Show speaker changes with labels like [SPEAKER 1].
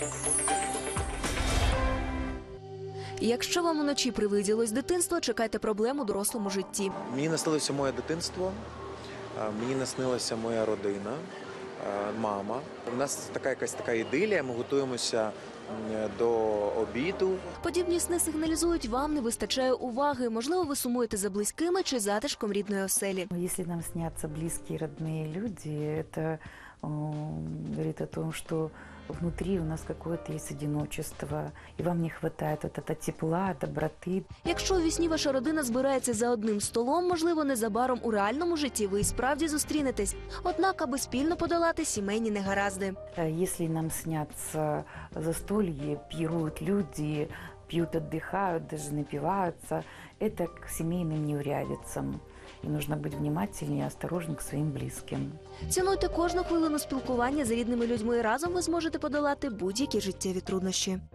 [SPEAKER 1] Якщо вам уночі привиділось дитинство, чекайте проблем у дорослому житті.
[SPEAKER 2] Мені наснилося моє дитинство, мені наснилася моя родина, мама. У нас якась така ідилія, ми готуємося до обіду.
[SPEAKER 1] Подібні сни сигналізують, вам не вистачає уваги. Можливо, ви сумуєте за близькими чи затишком рідної оселі.
[SPEAKER 3] Если нам снятся близкие, родные люди, это говорит о том, что внутри у нас какое-то есть одиночество, и вам не хватает вот этого тепла, доброты.
[SPEAKER 1] Якщо у вісні ваша родина збирається за одним столом, можливо, незабаром у реальному житті ви і справді зустрінетесь. Однак, аби спільно подолати сімейні негаразди.
[SPEAKER 3] Если нам снятся застолье, пьют люди, пьют, отдыхают, даже напиваются, это к семейным неурядицам. И нужно быть внимательнее и осторожнее к своим близким.
[SPEAKER 1] Цінуйте кожну хвилину спілкування з рідними людьми. Разом ви зможете подолати будь-які життєві труднощі.